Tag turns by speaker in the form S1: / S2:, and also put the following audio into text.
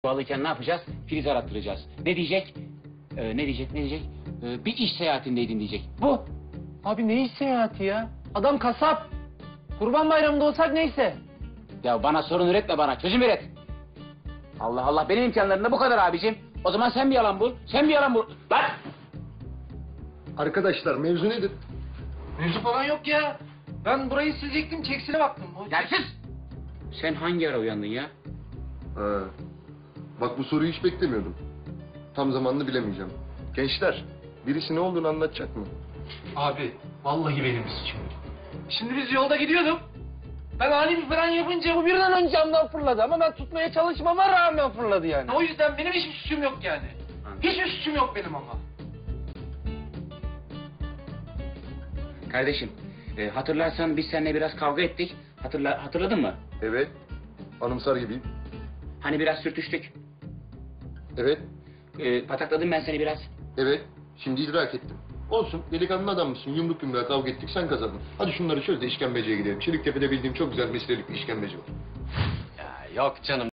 S1: Bağlıyken ne yapacağız? Filiz arattıracağız. Ne diyecek? Ne diyecek? Bir iş seyahatindeydin diyecek. Bu.
S2: Abi ne iş seyahati ya? Adam kasap. Kurban Bayramı'nda olsak neyse.
S1: Ya bana sorun üretme bana. Çözüm üret. Allah Allah. Benim imkanlarımda bu kadar abicim. O zaman sen bir yalan bul. Sen bir yalan bul. Lan!
S3: Arkadaşlar mevzu nedir?
S2: Mevzu falan yok ya. Ben burayı silecektim, çeksine baktım.
S1: Gel sus! Sen hangi ara uyandın ya?
S3: Ha. Bak bu soruyu hiç beklemiyordum. Tam zamanını bilemeyeceğim. Gençler, birisi ne olduğunu anlatacak mı?
S2: Abi, vallahi benim suçum. Şimdi biz yolda gidiyorduk. Ben ani bir fren yapınca bu birden ön camdan fırladı ama ben tutmaya çalışmama rağmen fırladı yani. O yüzden benim hiçbir suçum yok yani. Hiçbir suçum yok benim ama.
S1: Kardeşim, hatırlarsan biz seninle biraz kavga ettik. Hatırladın mı?
S3: Evet. Anımsar gibiyim.
S1: Hani biraz sürtüştük.
S3: Evet.
S1: Patakladım ben seni biraz.
S3: Evet. Şimdi idrak ettim. Olsun. Delikanlı adam mısın? Yumruk yumruğa kavga ettik. Sen kazandın. Hadi şunları çöz de işkembeciye gidelim. Çeliktepe'de bildiğim çok güzel meslelik bir işkembeci var.
S2: Ya yok canım.